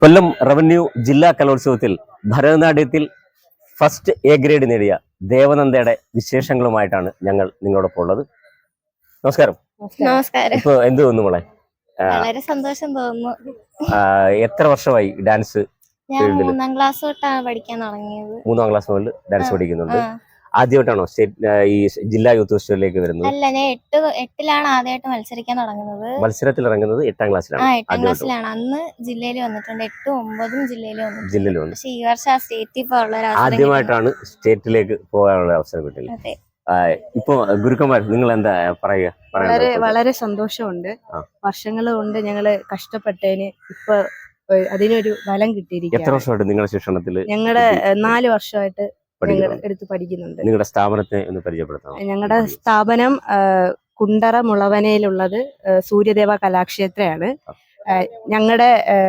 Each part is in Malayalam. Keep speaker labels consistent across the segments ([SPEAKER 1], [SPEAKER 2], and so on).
[SPEAKER 1] കൊല്ലം റവന്യൂ ജില്ലാ കലോത്സവത്തിൽ ഭരതനാട്യത്തിൽ ഫസ്റ്റ് എ ഗ്രേഡ് നേടിയ ദേവനന്ദയുടെ വിശേഷങ്ങളുമായിട്ടാണ് ഞങ്ങൾ നിങ്ങളോടൊപ്പം ഉള്ളത്. നമസ്കാരം.
[SPEAKER 2] നമസ്കാരം.
[SPEAKER 1] ഇപ്പൊ എന്ത് തോന്നുന്നു മോളെ?
[SPEAKER 2] വളരെ സന്തോഷം തോന്നുന്നു.
[SPEAKER 1] എത്ര വർഷമായി ഡാൻസ്?
[SPEAKER 2] ഞാൻ 3ാം ക്ലാസ് തൊട്ടാണ് പഠിക്കാൻ തുടങ്ങിയത്.
[SPEAKER 1] 3ാം ക്ലാസ് മുതൽ ഡാൻസ് പഠിക്കുന്നുണ്ട്. ആദ്യമായിട്ടാണോ ഈ ജില്ലാ യൂത്ത് ഫെസ്റ്റിവലിലേക്ക് വരുന്നത്?
[SPEAKER 2] അല്ല, ഞാൻ എട്ടിലാണ് ആദ്യമായിട്ട് മത്സരിക്കാൻ തുടങ്ങുന്നത്.
[SPEAKER 1] മത്സരത്തിൽ ഇറങ്ങുന്നത് 8ാം ക്ലാസ്സിലാണ്.
[SPEAKER 2] 8ാം ക്ലാസ്സിലാണ്. അന്ന് ജില്ലയിൽ വന്നിട്ടുണ്ട്. 8ഉം 9ഉം ജില്ലയിൽ വന്നിട്ടുണ്ട്. പക്ഷെ ഈ വർഷം ആ സ്റ്റേറ്റിൽ പോകാനുള്ള
[SPEAKER 1] ആദ്യമായിട്ടാണ് സ്റ്റേറ്റിലേക്ക് പോകാനുള്ള അവസരം കിട്ടില്ല. ഇപ്പൊ ഗുരുക്കന്മാർ നിങ്ങൾ എന്താ പറയുക?
[SPEAKER 3] വളരെ സന്തോഷമുണ്ട്. വർഷങ്ങൾ കൊണ്ട് ഞങ്ങള് കഷ്ടപ്പെട്ടതിന് ഇപ്പൊ അതിനൊരു ഫലം കിട്ടിയിരിക്കുകയാണ്.
[SPEAKER 1] എത്ര വർഷമായിട്ട് നിങ്ങളുടെ ശിക്ഷണത്തില്?
[SPEAKER 3] ഞങ്ങളുടെ 4 വർഷമായിട്ട് എടുത്ത് പഠിക്കുന്നുണ്ട്.
[SPEAKER 1] നിങ്ങളുടെ സ്ഥാപനത്തെ ഒന്ന് പരിചയപ്പെടുത്താം.
[SPEAKER 3] ഞങ്ങളുടെ സ്ഥാപനം കുണ്ടറ മുളവനയിലുള്ളത് സൂര്യദേവ കലാക്ഷേത്രയാണ്. ഞങ്ങളുടെ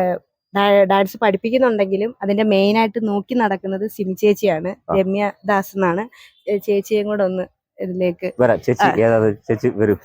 [SPEAKER 3] ഡാൻസ് പഠിപ്പിക്കുന്നുണ്ടെങ്കിലും അതിന്റെ മെയിൻ ആയിട്ട് നോക്കി നടക്കുന്നത് സിമി ചേച്ചിയാണ്. രമ്യ ദാസ് എന്നാണ്. ചേച്ചിയും കൂടെ ഒന്ന് ഇതിലേക്ക്
[SPEAKER 1] ചേച്ചി വരൂ.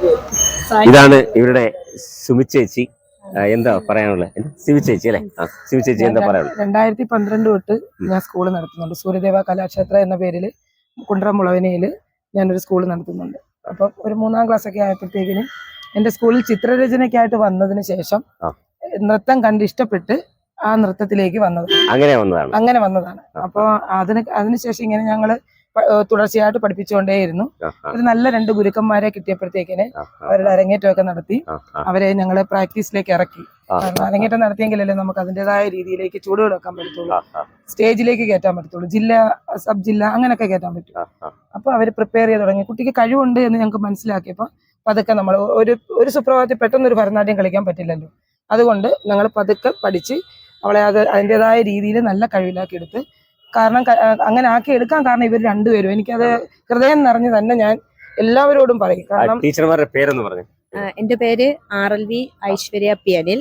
[SPEAKER 1] ഇതാണ് ഇവരുടെ സുമി ചേച്ചി. എന്താ പറയാനുള്ളത്? സിമി ചേച്ചി അല്ലെ? സിമി ചേച്ചി എന്താ പറയാനുള്ളത്?
[SPEAKER 4] 2012 തൊട്ട് ഞാൻ സ്കൂൾ നടത്തുന്നുണ്ട്. സൂര്യദേവ കലാക്ഷേത്ര എന്ന പേരിൽ കുണ്ടറ മുളവനയിൽ ഞാനൊരു സ്കൂൾ നടത്തുന്നുണ്ട്. അപ്പം ഒരു 3ാം ക്ലാസ് ഒക്കെ ആയപ്പോഴത്തേക്കിന് എൻ്റെ സ്കൂളിൽ ചിത്രരചനയ്ക്കായിട്ട് വന്നതിന് ശേഷം നൃത്തം കണ്ടിഷ്ടപ്പെട്ട് ആ നൃത്തത്തിലേക്ക് അങ്ങനെ വന്നതാണ്. അപ്പോൾ അതിനുശേഷം ഇങ്ങനെ ഞങ്ങള് തുടർച്ചയായിട്ട് പഠിപ്പിച്ചുകൊണ്ടേയിരുന്നു. ഒരു നല്ല 2 ഗുരുക്കന്മാരെ കിട്ടിയപ്പോഴത്തേക്കിന് അവരുടെ അരങ്ങേറ്റമൊക്കെ നടത്തി അവരെ ഞങ്ങള് പ്രാക്ടീസിലേക്ക് ഇറക്കി. കാരണം അരങ്ങേറ്റം നടത്തിയെങ്കിലല്ലേ നമുക്ക് അതിൻ്റെതായ രീതിയിലേക്ക് ചൂടുകൊടുക്കാൻ പറ്റത്തുള്ളൂ, സ്റ്റേജിലേക്ക് കയറ്റാൻ പറ്റത്തുള്ളൂ, ജില്ല സബ് ജില്ല അങ്ങനെയൊക്കെ കയറ്റാൻ പറ്റും. അപ്പൊ അവര് പ്രിപ്പയർ ചെയ്ത് തുടങ്ങി. കുട്ടിക്ക് കഴിവുണ്ട് എന്ന് ഞങ്ങൾക്ക് മനസ്സിലാക്കിയപ്പോൾ പതുക്കെ നമ്മൾ ഒരു സുപ്രഭാതത്തിൽ പെട്ടെന്നൊരു ഭരതനാട്യം കളിക്കാൻ പറ്റില്ലല്ലോ. അതുകൊണ്ട് ഞങ്ങൾ പതുക്കെ പഠിച്ച് അവളെ അതിൻ്റെതായ രീതിയിൽ നല്ല കഴിവിലാക്കി എടുത്ത്. കാരണം അങ്ങനെ ആക്കി എടുക്കാൻ കാരണം ഇവർ 2 പേരും. എനിക്കത് ഹൃദയം നിറഞ്ഞ് തന്നെ ഞാൻ എല്ലാവരോടും പറയും. കാരണം
[SPEAKER 1] ടീച്ചർമാരുടെ പേരെന്ന് പറഞ്ഞു.
[SPEAKER 3] എന്റെ പേര് RLV ഐശ്വര്യ പി അനിൽ.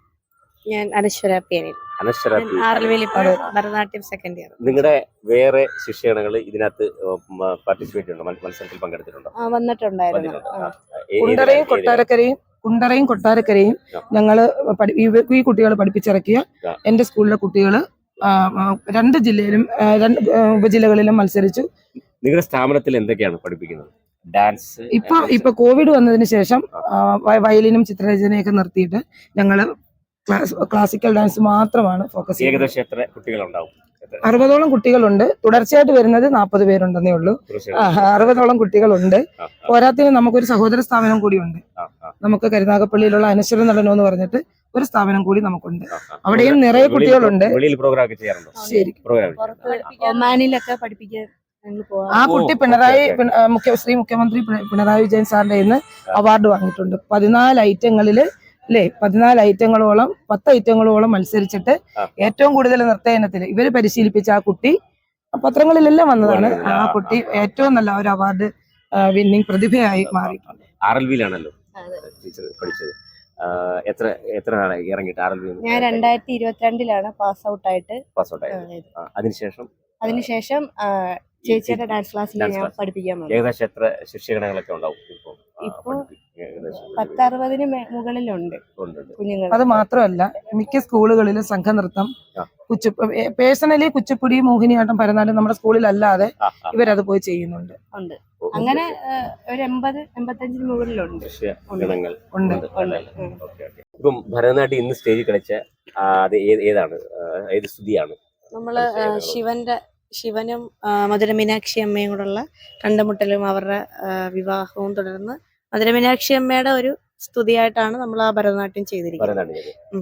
[SPEAKER 3] ഞാൻ Anaswara P Anil. RLV Bharatanatyam second year.
[SPEAKER 1] നിങ്ങളുടെ വേറെ ശിക്ഷണങ്ങൾ ഇതിനകത്ത് പാർട്ടിസിപ്പേറ്റ് ഉണ്ടോ? മത്സരത്തിൽ പങ്കെടുത്തിട്ടുണ്ടോ?
[SPEAKER 3] വന്നിട്ടുണ്ടായിരുന്നു.
[SPEAKER 4] കുണ്ടറയും കൊട്ടാരക്കരയും ഞങ്ങള് ഈ കുട്ടികൾ പഠിപ്പിച്ചിറക്കിയ എന്റെ സ്കൂളിലെ കുട്ടികള് 2 ജില്ലയിലും 2 ഉപജില്ലകളിലും മത്സരിച്ചു.
[SPEAKER 1] നിങ്ങളുടെ സ്ഥാപനത്തിൽ എന്തൊക്കെയാണ് പഠിപ്പിക്കുന്നത്? ഡാൻസ്
[SPEAKER 4] ഇപ്പൊ കോവിഡ് വന്നതിന് ശേഷം വയലിനും ചിത്രരചനയൊക്കെ നിർത്തിയിട്ട് ഞങ്ങള് ക്ലാസിക്കൽ ഡാൻസ് മാത്രമാണ് ഫോക്കസ് ചെയ്യുന്നത്.
[SPEAKER 1] ഏകദേശം എത്ര കുട്ടികളുണ്ടാവും?
[SPEAKER 4] 60ഓളം കുട്ടികളുണ്ട്. തുടർച്ചയായിട്ട് വരുന്നത് 40 പേരുണ്ടെന്നേ ഉള്ളൂ. 60ഓളം കുട്ടികളുണ്ട്. പോരാത്തിന് നമുക്കൊരു സഹോദര സ്ഥാപനം കൂടിയുണ്ട്. നമുക്ക് കരുനാഗപ്പള്ളിയിലുള്ള അനശ്വര നടനം എന്ന് പറഞ്ഞിട്ട് ഒരു സ്ഥാപനം കൂടി നമുക്കുണ്ട്. അവിടെയും നിറയെ കുട്ടികളുണ്ട്.
[SPEAKER 3] ഒമാനിലൊക്കെ പഠിപ്പിക്കാൻ
[SPEAKER 4] ആ കുട്ടി ശ്രീ മുഖ്യമന്ത്രി പിണറായി വിജയൻ സാറിന്റെ ഇന്ന് അവാർഡ് വാങ്ങിയിട്ടുണ്ട്. 14 ഐറ്റങ്ങളില് 14 ഐറ്റങ്ങളോളം 10 ഐറ്റങ്ങളോളം മത്സരിച്ചിട്ട് ഏറ്റവും കൂടുതൽ നൃത്ത ഇനത്തിൽ ഇവര് പരിശീലിപ്പിച്ച ആ കുട്ടി പത്രങ്ങളിലെല്ലാം വന്നതാണ്. ആ കുട്ടി ഏറ്റവും നല്ല ഒരു അവാർഡ് വിന്നിംഗ് പ്രതിഭയായി മാറിയിട്ടുണ്ട്.
[SPEAKER 1] RLV-ലാണല്ലോ പഠിച്ചത്. എത്ര നാളായി ഇറങ്ങിയിട്ട് RLV?
[SPEAKER 3] ഞാൻ 2022 പാസ് ഔട്ട് ആയിട്ട്. അതിനുശേഷം ചേച്ചിയുടെ ഡാൻസ് ക്ലാസ്സിൽ ഞാൻ പഠിപ്പിക്കാൻ വന്നു.
[SPEAKER 1] ഏകദേശം എത്ര ശിക്ഷകണങ്ങളൊക്കെ ഉണ്ടാവും
[SPEAKER 3] ഇപ്പൊ? 10-60 മുകളിലുണ്ട് കുഞ്ഞുങ്ങൾ.
[SPEAKER 4] അത് മാത്രമല്ല മിക്ക സ്കൂളുകളിലും സംഘനൃത്തം, പേഴ്സണലി കുച്ചിപ്പുടി, മോഹിനിയാട്ടം, ഭരതനാട്യം നമ്മുടെ സ്കൂളിലല്ലാതെ ഇവരത് പോയി ചെയ്യുന്നുണ്ട്.
[SPEAKER 3] അങ്ങനെ ഒരു 80-85 മുകളിലുണ്ട്.
[SPEAKER 1] ഇപ്പം ഭരതനാട്യം ഇന്ന് സ്റ്റേജിൽ കളിച്ച അത് ഏത് സ്തുതിയാണ്?
[SPEAKER 3] നമ്മള് ശിവനും മധുര മീനാക്ഷി അമ്മയും കൂടെയുള്ള കണ്ടുമുട്ടലും അവരുടെ വിവാഹവും തുടർന്ന് മധുര മീനാക്ഷി അമ്മയുടെ ഒരു സ്തുതിയായിട്ടാണ് നമ്മൾ ആ ഭരതനാട്യം ചെയ്തിരിക്കുന്നത്.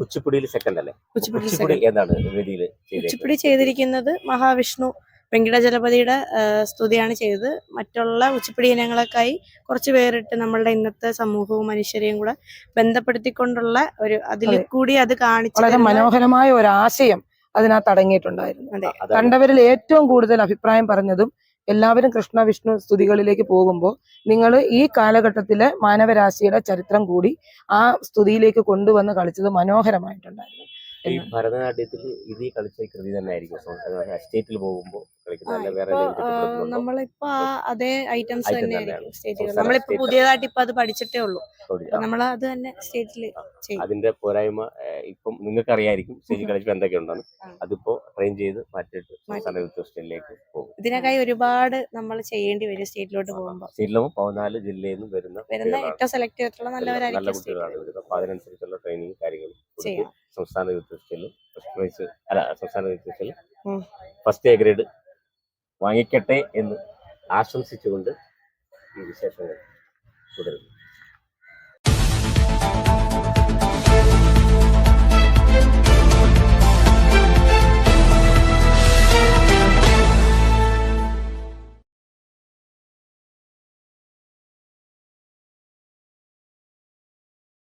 [SPEAKER 3] കുച്ചിപ്പുടി ചെയ്തിരിക്കുന്നത് മഹാവിഷ്ണു വെങ്കിടജലപതിയുടെ സ്തുതിയാണ് ചെയ്തത്. മറ്റുള്ള കുച്ചിപ്പുടി ഇനങ്ങളൊക്കെയായി കുറച്ച് പേരിട്ട് നമ്മളുടെ ഇന്നത്തെ സമൂഹവും മനുഷ്യരെയും കൂടെ ബന്ധപ്പെടുത്തിക്കൊണ്ടുള്ള ഒരു അതിൽ കൂടി അത് കാണിച്ചു
[SPEAKER 4] വളരെ മനോഹരമായ ഒരു ആശയം അതിനകത്ത് അടങ്ങിയിട്ടുണ്ടായിരുന്നു. കണ്ടവരിൽ ഏറ്റവും കൂടുതൽ അഭിപ്രായം പറഞ്ഞതും എല്ലാവരും കൃഷ്ണ വിഷ്ണു സ്തുതികളിലേക്ക് പോകുമ്പോൾ നിങ്ങൾ ഈ കാലഘട്ടത്തിലെ മാനവരാശിയുടെ ചരിത്രം കൂടി ആ സ്തുതിയിലേക്ക് കൊണ്ടുവന്ന് കളിച്ചത് മനോഹരമായിട്ടുണ്ടായിരുന്നു.
[SPEAKER 1] ഈ ഭരതനാട്യത്തിൽ ഇത് കളിച്ച കൃതി തന്നെ ആയിരിക്കും സ്റ്റേറ്റിൽ പോകുമ്പോൾ കളിക്കുന്നത്, അല്ല വേറെ
[SPEAKER 3] ഇപ്പൊ
[SPEAKER 1] ഏതെങ്കിലും തെറ്റിദ്ധരിക്കുന്നുണ്ടോ?
[SPEAKER 3] നമ്മളിപ്പോ അതേ ഐറ്റംസ്
[SPEAKER 1] Item
[SPEAKER 3] തന്നെ
[SPEAKER 1] തന്നെയാണ്.
[SPEAKER 3] ആയിരിക്കും സ്റ്റേജിൽ.
[SPEAKER 1] സംസ്ഥാന
[SPEAKER 3] നമ്മളിപ്പോ
[SPEAKER 1] state
[SPEAKER 3] പുതിയതായിട്ട് ഇപ്പൊ അത് പഠിച്ചിട്ടേ ഉള്ളൂ.
[SPEAKER 1] സ്റ്റോറി.
[SPEAKER 3] അപ്പൊ നമ്മൾ അത് തന്നെ സ്റ്റേജിൽ ചെയ്യും.
[SPEAKER 1] അതിന്റെ പോരായ്മ ഇപ്പം നിങ്ങൾക്ക് അറിയായിരിക്കും സ്റ്റേജിൽ കളിച്ചപ്പോൾ എന്തൊക്കെ ഉണ്ടെന്ന്.
[SPEAKER 3] ആ.
[SPEAKER 1] അതിപ്പോ ട്രെയിൻ ചെയ്ത് മാറ്റിയിട്ട് സംസ്ഥാന യൂത്ത് സ്റ്റേറ്റിലേക്ക് പോകും.
[SPEAKER 3] ഇതിനൊക്കെ ഒരുപാട് നമ്മൾ ചെയ്യേണ്ടി വരും സ്റ്റേറ്റിലോട്ട് പോകുമ്പോൾ.
[SPEAKER 1] സ്റ്റേറ്റിലാകുമ്പോൾ 14 ജില്ലയിൽ നിന്ന് വരുന്ന കുട്ടികളാണ്.
[SPEAKER 3] ഏറ്റവും സെലക്ട് ചെയ്തിട്ടുള്ള
[SPEAKER 1] നല്ല
[SPEAKER 3] നല്ലവരായിരിക്കും
[SPEAKER 1] കുട്ടികളാണ് വരുന്നത്. അപ്പൊ അതിനനുസരിച്ചുള്ള ട്രെയിനിങ് കാര്യങ്ങളും കൊടുത്ത്
[SPEAKER 3] ചെയ്യാം.
[SPEAKER 1] സംസ്ഥാന യൂത്ത് ഫെസ്റ്റിവലിൽ ഫസ്റ്റ് പ്രൈസ് അല്ല സംസ്ഥാന യൂത്ത് ഫെസ്റ്റിവലിൽ
[SPEAKER 3] ഉം.
[SPEAKER 1] ഫസ്റ്റ് എ ഗ്രേഡ് വാങ്ങിക്കട്ടെ എന്ന് ആശംസിച്ചുകൊണ്ട് ഈ വിശേഷങ്ങൾ തുടരുന്നു.